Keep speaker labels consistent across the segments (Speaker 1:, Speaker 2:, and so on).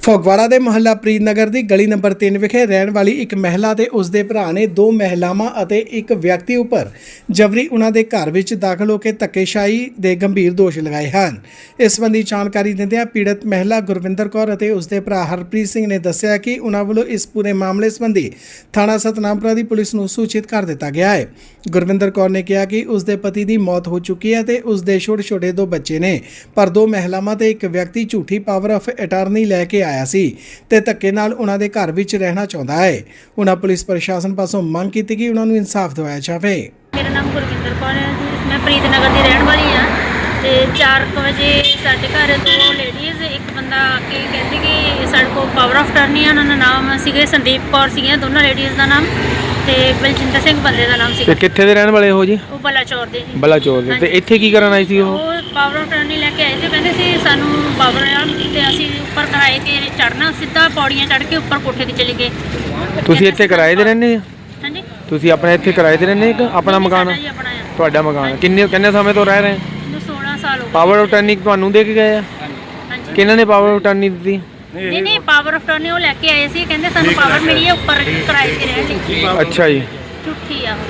Speaker 1: ਫਗਵਾੜਾ ਦੇ ਮੁਹੱਲਾ ਪ੍ਰੀਤਨਗਰ ਦੀ ਗਲੀ ਨੰਬਰ 3 ਵਿਖੇ ਰਹਿਣ ਵਾਲੀ ਇੱਕ ਮਹਿਲਾ ਤੇ ਉਸ ਦੇ ਭਰਾ ਨੇ ਦੋ ਮਹਿਲਾਵਾਂ ਅਤੇ ਇੱਕ ਵਿਅਕਤੀ ਉੱਪਰ ਜਬਰੀ ਉਹਨਾਂ ਦੇ ਘਰ ਵਿੱਚ ਦਾਖਲ ਹੋ ਕੇ ਧੱਕੇਸ਼ਾਹੀ ਦੇ ਗੰਭੀਰ ਦੋਸ਼ ਲਗਾਏ ਹਨ। ਇਸ ਸੰਬੰਧੀ ਜਾਣਕਾਰੀ ਦਿੰਦਿਆਂ ਪੀੜਤ ਮਹਿਲਾ ਗੁਰਵਿੰਦਰ ਕੌਰ ਅਤੇ ਉਸ ਦੇ ਭਰਾ ਹਰਪ੍ਰੀਤ ਸਿੰਘ ਨੇ ਦੱਸਿਆ ਕਿ ਉਹਨਾਂ ਵੱਲੋਂ ਇਸ ਪੂਰੇ ਮਾਮਲੇ ਸੰਬੰਧੀ ਥਾਣਾ ਸਤਨਾਮਪੁਰਾ ਦੀ ਪੁਲਿਸ ਨੂੰ ਸੂਚਿਤ ਕਰ ਦਿੱਤਾ ਗਿਆ ਹੈ। ਗੁਰਵਿੰਦਰ ਕੌਰ ਨੇ ਕਿਹਾ ਕਿ ਉਸ ਦੇ ਪਤੀ ਦੀ ਮੌਤ ਹੋ ਚੁੱਕੀ ਹੈ ਤੇ ਉਸ ਦੇ ਛੋਟੇ ਦੋ ਬੱਚੇ ਨੇ, ਪਰ ਦੋ ਮਹਿਲਾਵਾਂ ਤੇ ਇੱਕ ਵਿਅਕਤੀ ਝੂਠੀ ਪਾਵਰ ਆਫ ਅਟਾਰਨੀ ਲੈ ਕੇ ਆਇਆ ਸੀ ਤੇ ਧੱਕੇ ਨਾਲ ਉਹਨਾਂ ਦੇ ਘਰ ਵਿੱਚ ਰਹਿਣਾ ਚਾਹੁੰਦਾ ਹੈ। ਉਹਨਾਂ ਪੁਲਿਸ ਪ੍ਰਸ਼ਾਸਨ ਪਾਸੋਂ ਮੰਗ ਕੀਤੀ ਕਿ ਉਹਨਾਂ ਨੂੰ ਇਨਸਾਫ ਦਿਵਾਇਆ ਜਾਵੇ।
Speaker 2: ਮੇਰਾ ਨਾਮ ਗੁਰਵਿੰਦਰ ਕੌਰ ਹੈ ਜੀ। ਮੈਂ ਪ੍ਰੀਤਨਗਰ ਦੀ ਰਹਿਣ ਵਾਲੀ ਹਾਂ ਤੇ 4 ਵਜੇ ਸਾਡੇ ਘਰ ਦੋ ਲੇਡੀਜ਼ ਇੱਕ ਬੰਦਾ ਆ ਕੇ ਕਹਿੰਦੇ ਕਿ ਸਾਡੇ ਕੋਲ ਪਾਵਰ ਆਫ ਅਟਾਰਨੀ ਆ। ਉਹਨਾਂ ਦਾ ਨਾਮ ਸੀਗੇ ਸੰਦੀਪ ਕੌਰ ਸੀਗੀਆਂ ਦੋਨਾਂ ਲੇਡੀਜ਼ ਦਾ ਨਾਮ, ਤੇ ਬਲਜਿੰਦਰ ਸਿੰਘ ਬੰਦੇ ਦਾ ਨਾਮ ਸੀ।
Speaker 3: ਤੇ ਕਿੱਥੇ ਦੇ ਰਹਿਣ ਵਾਲੇ ਹੋ ਜੀ?
Speaker 2: ਉਹ ਬਲਾਚੌਰ ਦੇ ਜੀ।
Speaker 3: ਬਲਾਚੌਰ ਦੇ। ਤੇ ਇੱਥੇ ਕੀ ਕਰਨ ਆਈ ਸੀ ਉਹ?
Speaker 2: ਪਾਵਰ ਆਫ ਅਟਾਰਨੀ ਲੈ ਕੇ ਆਏ ਸੀ। ਕਹਿੰਦੇ ਸੀ ਸਾਨੂੰ ਪਾਵਰ ਆ ਤੇ ਅਸੀਂ ਉੱਪਰ ਕਿਰਾਏ ਤੇ ਚੜ੍ਹਨਾ, ਸਿੱਧਾ ਪੌੜੀਆਂ ਚੜ੍ਹ ਕੇ ਉੱਪਰ ਕੋਠੇ ਤੇ ਚਲੇ ਗਏ।
Speaker 3: ਤੁਸੀਂ ਇੱਥੇ ਕਿਰਾਏ ਤੇ ਰਹਿੰਦੇ ਆ?
Speaker 2: ਹਾਂਜੀ।
Speaker 3: ਤੁਸੀਂ ਆਪਣੇ ਇੱਥੇ ਕਿਰਾਏ ਤੇ ਰਹਿੰਦੇ ਕਿ ਆਪਣਾ ਮਕਾਨ?
Speaker 2: ਸਾਡਾ ਜੀ ਆਪਣਾ ਆ।
Speaker 3: ਤੁਹਾਡਾ ਮਕਾਨ ਕਿੰਨੇ ਸਮੇਂ ਤੋਂ ਰਹਿ ਰਹੇ?
Speaker 2: ਮੈਨੂੰ 16 ਸਾਲ ਹੋ ਗਏ।
Speaker 3: ਪਾਵਰ ਆਫ ਅਟਾਰਨੀ ਤੁਹਾਨੂੰ ਦੇ ਕੇ ਗਏ ਆ?
Speaker 2: ਹਾਂਜੀ।
Speaker 3: ਕਿਹਨਾਂ ਨੇ ਪਾਵਰ ਆਫ ਅਟਾਰਨੀ ਦਿੱਤੀ?
Speaker 2: ਨਹੀਂ ਪਾਵਰ ਆਫ ਅਟਾਰਨੀ ਉਹ ਲੈ ਕੇ ਆਏ ਸੀ। ਕਹਿੰਦੇ ਸਾਨੂੰ ਪਾਵਰ ਮਿਲੀ ਹੈ ਉੱਪਰ ਕਿਰਾਏ ਤੇ ਰਹਿਣ ਲਈ।
Speaker 3: ਅੱਛਾ ਜੀ।
Speaker 2: ਝੂਠੀ ਆ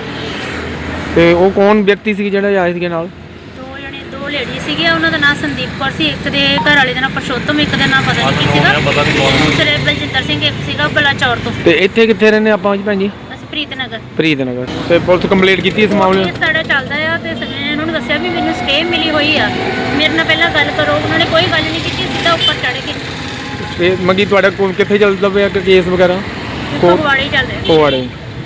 Speaker 2: ਉਹ।
Speaker 3: ਤੇ ਉਹ ਕੌਣ ਵਿਅਕਤੀ ਸੀ ਜਿਹੜਾ ਆਏ ਸੀਗੇ ਨਾਲ?
Speaker 2: ਦੋ ਲੇਡੀ ਸੀਗੇ। ਉਹਨਾਂ ਦਾ ਨਾਮ ਸੰਦੀਪ ਕੌਰ ਸੀ, ਇੱਕ ਦੇ ਘਰ ਵਾਲੇ ਦਾ ਨਾਮ ਪਰਸ਼ੋਤਮ, ਇੱਕ ਦਾ ਨਾਮ ਪਤਾ ਨਹੀਂ ਕੀ ਸੀਗਾ। ਦੂਸਰੇ ਬਲਜਿੰਦਰ ਸਿੰਘ ਇੱਕ ਸੀਗਾ ਬਲਾਚੌਰ ਤੋਂ।
Speaker 3: ਤੇ ਇੱਥੇ ਕਿੱਥੇ ਰਹਿੰਦੇ ਆਪਾਂ ਜੀ ਭੈਣ ਜੀ?
Speaker 2: ਅਸੀਂ ਪ੍ਰੀਤਨਗਰ।
Speaker 3: ਪ੍ਰੀਤਨਗਰ। ਤੇ ਪੁਲਿਸ ਕੰਪਲੇਂਟ ਕੀਤੀ ਇਸ ਮਾਮਲੇ
Speaker 2: ਕੇਸ ਸਾਡਾ ਚੱਲਦਾ ਆ ਤੇ ਮੈਂ ਇਹਨਾਂ ਨੂੰ ਦੱਸਿਆ ਵੀ ਮੈਨੂੰ ਸਟੇ ਮਿਲੀ ਹੋਈ ਆ, ਮੇਰੇ ਨਾਲ ਪਹਿਲਾਂ ਗੱਲ ਕਰੋ। ਉਹਨਾਂ ਨੇ ਕੋਈ ਗੱਲ ਨਹੀਂ ਕੀਤੀ, ਸਿੱਧਾ ਉੱਪਰ ਚੜ੍ਹ ਕੇ।
Speaker 3: ਤੇ ਮੰਗੀ ਤੁਹਾਡਾ ਕਿੱਥੇ ਚੱਲਦਾ ਪਿਆ ਕੇਸ ਵਗੈਰਾ?
Speaker 2: ਫਗਵਾੜੇ ਚੱਲ ਰਿਹਾ।
Speaker 3: ਫਗਵਾੜੇ।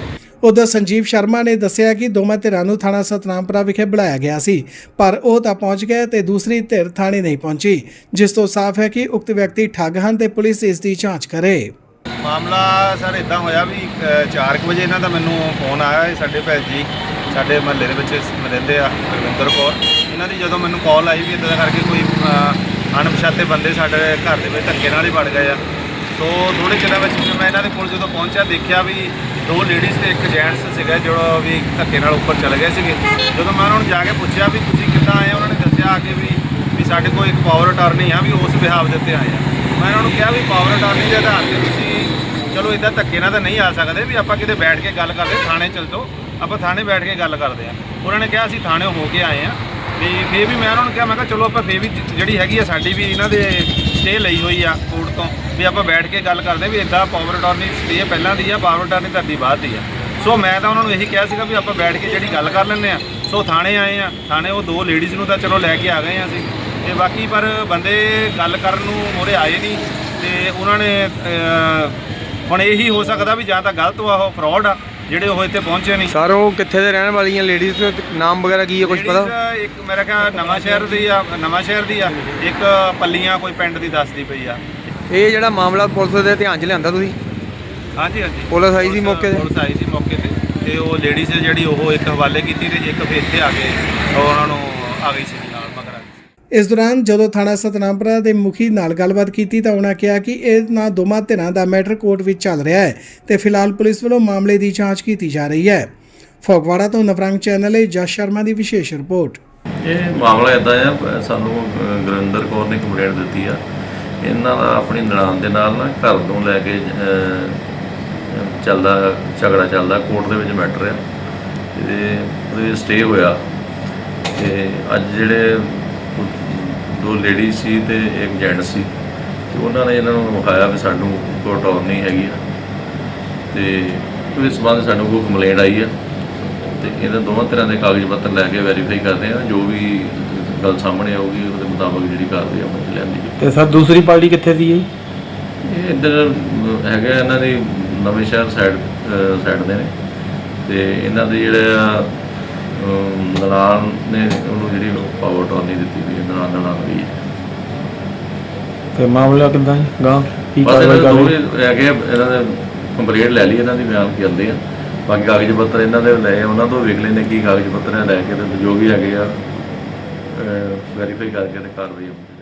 Speaker 1: ਉਧਰ ਸੰਜੀਵ ਸ਼ਰਮਾ ਨੇ ਦੱਸਿਆ ਕਿ ਦੋਵਾਂ ਧਿਰਾਂ ਨੂੰ ਥਾਣਾ ਸਤਨਾਮਪੁਰਾ ਵਿਖੇ ਬੁਲਾਇਆ ਗਿਆ ਸੀ, ਪਰ ਉਹ ਤਾਂ ਪਹੁੰਚ ਗਏ ਤੇ ਦੂਸਰੀ ਧਿਰ ਥਾਣੇ ਨਹੀਂ ਪਹੁੰਚੀ, ਜਿਸ ਤੋਂ ਸਾਫ਼ ਹੈ ਕਿ ਉਕਤ ਵਿਅਕਤੀ ਠੱਗ ਹਨ ਤੇ ਪੁਲਿਸ ਇਸ ਦੀ ਜਾਂਚ ਕਰੇ।
Speaker 4: ਮਾਮਲਾ ਸਰ ਇਦਾਂ ਹੋਇਆ ਵੀ 4 ਵਜੇ ਇਹਨਾਂ ਦਾ ਮੈਨੂੰ ਫੋਨ ਆਇਆ। ਸਾਡੇ ਭੈਣ ਜੀ ਸਾਡੇ ਮਹੱਲੇ ਦੇ ਵਿੱਚ ਰਹਿੰਦੇ ਆ, ਗੁਰਵਿੰਦਰ ਕੌਰ। ਇਹਨਾਂ ਦੀ ਜਦੋਂ ਮੈਨੂੰ ਕਾਲ ਆਈ ਵੀ ਇੱਦਾਂ ਦਾ ਕਰਕੇ ਕੋਈ ਅਣਪਛਾਤੇ ਬੰਦੇ ਸਾਡੇ ਘਰ ਦੇ ਵਿੱਚ ਧੱਕੇ ਨਾਲ ਹੀ ਵੜ ਗਏ ਆ। ਸੋ ਥੋੜ੍ਹੇ ਚਿਰਾਂ ਵਿੱਚ ਮੈਂ ਇਹਨਾਂ ਦੇ ਕੋਲ ਜਦੋਂ ਪਹੁੰਚਿਆ ਦੇਖਿਆ ਵੀ ਦੋ ਲੇਡੀਜ਼ ਤੇ ਇੱਕ ਜੈਂਟਸ ਸੀਗਾ ਜਿਹੜਾ ਵੀ ਧੱਕੇ ਨਾਲ ਉੱਪਰ ਚਲੇ ਗਏ ਸੀਗੇ। ਜਦੋਂ ਮੈਂ ਉਹਨਾਂ ਨੂੰ ਜਾ ਕੇ ਪੁੱਛਿਆ ਵੀ ਤੁਸੀਂ ਕਿੱਦਾਂ ਆਏ, ਉਹਨਾਂ ਨੇ ਦੱਸਿਆ ਆ ਕੇ ਵੀ ਸਾਡੇ ਕੋਲ ਇੱਕ ਪਾਵਰ ਅਟਾਰਨੀ ਆ, ਵੀ ਉਸ ਬਿਹਾਵ ਦੇ ਉੱਤੇ ਆਏ ਆ। ਮੈਂ ਉਹਨਾਂ ਨੂੰ ਕਿਹਾ ਵੀ ਪਾਵਰ ਅਟਾਰਨੀ ਦੇ ਆਧਾਰ 'ਤੇ ਤੁਸੀਂ ਚਲੋ ਇੱਦਾਂ ਧੱਕੇ ਨਾਲ ਤਾਂ ਨਹੀਂ ਆ ਸਕਦੇ, ਵੀ ਆਪਾਂ ਕਿਤੇ ਬੈਠ ਕੇ ਗੱਲ ਕਰਦੇ, ਥਾਣੇ ਚੱਲ ਜਾਓ, ਆਪਾਂ ਥਾਣੇ ਬੈਠ ਕੇ ਗੱਲ ਕਰਦੇ ਆ। ਉਹਨਾਂ ਨੇ ਕਿਹਾ ਅਸੀਂ ਥਾਣੇ ਹੋ ਕੇ ਆਏ ਆ। ਤੇ ਫਿਰ ਵੀ ਮੈਂ ਉਹਨਾਂ ਨੂੰ ਕਿਹਾ, ਮੈਂ ਕਿਹਾ ਚਲੋ ਆਪਾਂ ਫਿਰ ਵੀ ਜਿਹੜੀ ਹੈਗੀ ਆ ਸਾਡੀ ਵੀ ਇਹਨਾਂ ਦੇ ਸਟੇ ਲਈ ਹੋਈ ਆ ਕੋਰਟ ਤੋਂ, ਵੀ ਆਪਾਂ ਬੈਠ ਕੇ ਗੱਲ ਕਰਦੇ ਵੀ ਇੱਦਾਂ ਪਾਵਰ ਅਟਾਰਨੀ ਸਟੇ ਪਹਿਲਾਂ ਦੀ ਆ, ਪਾਵਰ ਅਟਾਰਨੀ ਤੁਹਾਡੀ ਬਾਅਦ ਦੀ ਆ। ਸੋ ਮੈਂ ਤਾਂ ਉਹਨਾਂ ਨੂੰ ਇਹੀ ਕਿਹਾ ਸੀਗਾ ਵੀ ਆਪਾਂ ਬੈਠ ਕੇ ਜਿਹੜੀ ਗੱਲ ਕਰ ਲੈਂਦੇ ਆ। ਸੋ ਥਾਣੇ ਆਏ ਆ, ਥਾਣੇ ਉਹ ਦੋ ਲੇਡੀਜ਼ ਨੂੰ ਤਾਂ ਚਲੋ ਲੈ ਕੇ ਆ ਗਏ ਆ ਅਸੀਂ, ਤੇ ਬਾਕੀ ਪਰ ਬੰਦੇ ਗੱਲ ਕਰਨ ਨੂੰ ਮੋਰੇ ਆਏ ਨਹੀਂ। ਤੇ ਉਹਨਾਂ ਨੇ ਹੁਣ ਇਹੀ ਹੋ ਸਕਦਾ ਵੀ ਜਾਂ ਤਾਂ ਗਲਤ ਆ, ਉਹ ਫਰਾਡ ਆ ਜਿਹੜੇ ਉਹ ਇੱਥੇ ਪਹੁੰਚੇ ਨਹੀਂ।
Speaker 3: ਸਰ ਉਹ ਕਿੱਥੇ ਦੇ ਰਹਿਣ ਵਾਲੀਆਂ ਲੇਡੀਜ਼? ਨਾਮ ਵਗੈਰਾ ਕੀ ਹੈ, ਕੁਝ ਪਤਾ?
Speaker 4: ਇੱਕ ਮੇਰਾ ਖਿਆਲ ਨਵਾਂ ਸ਼ਹਿਰ ਦੀ ਆ, ਇੱਕ ਪੱਲੀਆਂ ਕੋਈ ਪਿੰਡ ਦੀ ਦੱਸਦੀ ਪਈ ਆ।
Speaker 3: ਇਹ ਜਿਹੜਾ ਮਾਮਲਾ ਪੁਲਿਸ ਦੇ ਧਿਆਨ 'ਚ ਲਿਆਂਦਾ ਤੁਸੀਂ?
Speaker 4: ਹਾਂਜੀ।
Speaker 3: ਪੁਲਿਸ ਆਈ ਸੀ ਮੌਕੇ ਤੇ?
Speaker 4: ਪੁਲਿਸ ਆਈ ਸੀ ਮੌਕੇ ਤੇ ਉਹ ਲੇਡੀਜ਼ ਜਿਹੜੀ ਉਹ ਇੱਕ ਹਵਾਲੇ ਕੀਤੀ ਤੇ ਇੱਕ ਫਿਰ ਇੱਥੇ ਆ ਕੇ ਉਹਨਾਂ ਨੂੰ ਆ ਗਈ ਸੀ ਨਾਲ ਮਗਰ।
Speaker 1: ਇਸ ਦੌਰਾਨ ਜਦੋਂ ਥਾਣਾ ਸਤਨਾਮਪੁਰਾ ਦੇ ਮੁਖੀ ਨਾਲ ਗੱਲਬਾਤ ਕੀਤੀ ਤਾਂ ਉਹਨਾਂ ਕਿਹਾ ਕਿ ਇਹਨਾਂ ਦੋਵਾਂ ਧਿਰਾਂ ਦਾ ਮੈਟਰ ਕੋਰਟ ਵਿੱਚ ਚੱਲ ਰਿਹਾ ਹੈ ਤੇ ਫਿਲਹਾਲ ਪੁਲਿਸ ਵੱਲੋਂ ਮਾਮਲੇ ਦੀ ਜਾਂਚ ਕੀਤੀ ਜਾ ਰਹੀ ਹੈ। ਫਗਵਾੜਾ ਤੋਂ ਨਵਰੰਗ ਚੈਨਲ ਲਈ ਜਸ ਸ਼ਰਮਾ ਦੀ ਵਿਸ਼ੇਸ਼ ਰਿਪੋਰਟ।
Speaker 5: ਇਹ ਮਾਮਲਾ ਇੱਦਾਂ ਆ, ਸਾਨੂੰ ਗੁਰਵਿੰਦਰ ਕੌਰ ਨੇ ਕੰਪਲੇਂਟ ਦਿੱਤੀ ਆ। ਇਹਨਾਂ ਦਾ ਆਪਣੀ ਨਨਾਣ ਦੇ ਨਾਲ ਨਾ ਘਰ ਤੋਂ ਲੈ ਕੇ ਝਗੜਾ ਚੱਲਦਾ, ਕੋਰਟ ਦੇ ਵਿੱਚ ਮੈਟਰ ਆ ਤੇ ਉਹਦੇ ਸਟੇ ਹੋਇਆ। ਤੇ ਅੱਜ ਜਿਹੜੇ ਦੋ ਲੇਡੀ ਸੀ ਤੇ ਇੱਕ ਜੈਂਟ ਸੀ, ਤੇ ਉਹਨਾਂ ਨੇ ਇਹਨਾਂ ਨੂੰ ਵਿਖਾਇਆ ਵੀ ਸਾਨੂੰ ਕੋਈ ਅਟਾਰਨੀ ਹੈਗੀ ਆ, ਤੇ ਇਸ ਸੰਬੰਧ ਸਾਨੂੰ ਕੋਈ ਕੰਪਲੇਂਟ ਆਈ ਆ। ਤੇ ਇਹਨਾਂ ਦੋਵਾਂ ਤਰ੍ਹਾਂ ਦੇ ਕਾਗਜ਼ ਪੱਤਰ ਲੈ ਕੇ ਵੈਰੀਫਾਈ ਕਰਦੇ ਆ, ਜੋ ਵੀ ਗੱਲ ਸਾਹਮਣੇ ਆਊਗੀ ਉਹਦੇ ਮੁਤਾਬਕ ਜਿਹੜੀ ਕਾਰਵਾਈ ਆਪਾਂ ਚ ਲੈਂਦੀ।
Speaker 3: ਤੇ ਸਰ ਦੂਸਰੀ ਪਾਰਟੀ ਕਿੱਥੇ ਦੀ ਹੈ?
Speaker 5: ਇਹ ਇੱਧਰ ਹੈਗਾ ਇਹਨਾਂ ਦੀ ਨਵੇਂ ਸ਼ਹਿਰ ਸਾਈਡ ਦੇ ਨੇ, ਤੇ ਇਹਨਾਂ ਦੇ ਜਿਹੜਾ ਨਨਾਣ ਨੇ ਉਹਨੂੰ ਜਿਹੜੀ ਪਾਵਰ ਅਟਾਰਨੀ ਦਿੱਤੀ ਵੀ ਨਨਾਣ ਵੀ ਹੈ।
Speaker 3: ਤੇ ਮਾਮਲਾ ਕਿੱਦਾਂ ਗਾਂ ਕੀ
Speaker 5: ਕਾਰਵਾਈ ਕਰਦੇ ਹੈਗੇ? ਇਹਨਾਂ ਦੇ ਕੰਪਲੇਂਟ ਲੈ ਲਈ, ਇਹਨਾਂ ਦੀ ਬਿਆਨ ਕਰਦੇ ਆ। ਬਾਕੀ ਕਾਗਜ਼ ਪੱਤਰ ਇਹਨਾਂ ਦੇ ਲਏ, ਉਹਨਾਂ ਤੋਂ ਵੇਖ ਲੈਂਦੇ ਕੀ ਕਾਗਜ਼ ਪੱਤਰ ਲੈ ਕੇ ਤੇ ਜੋ ਵੀ ਹੈਗੇ ਆ ਵੈਰੀਫਾਈ ਕਰਕੇ ਤੇ ਕਾਰਵਾਈ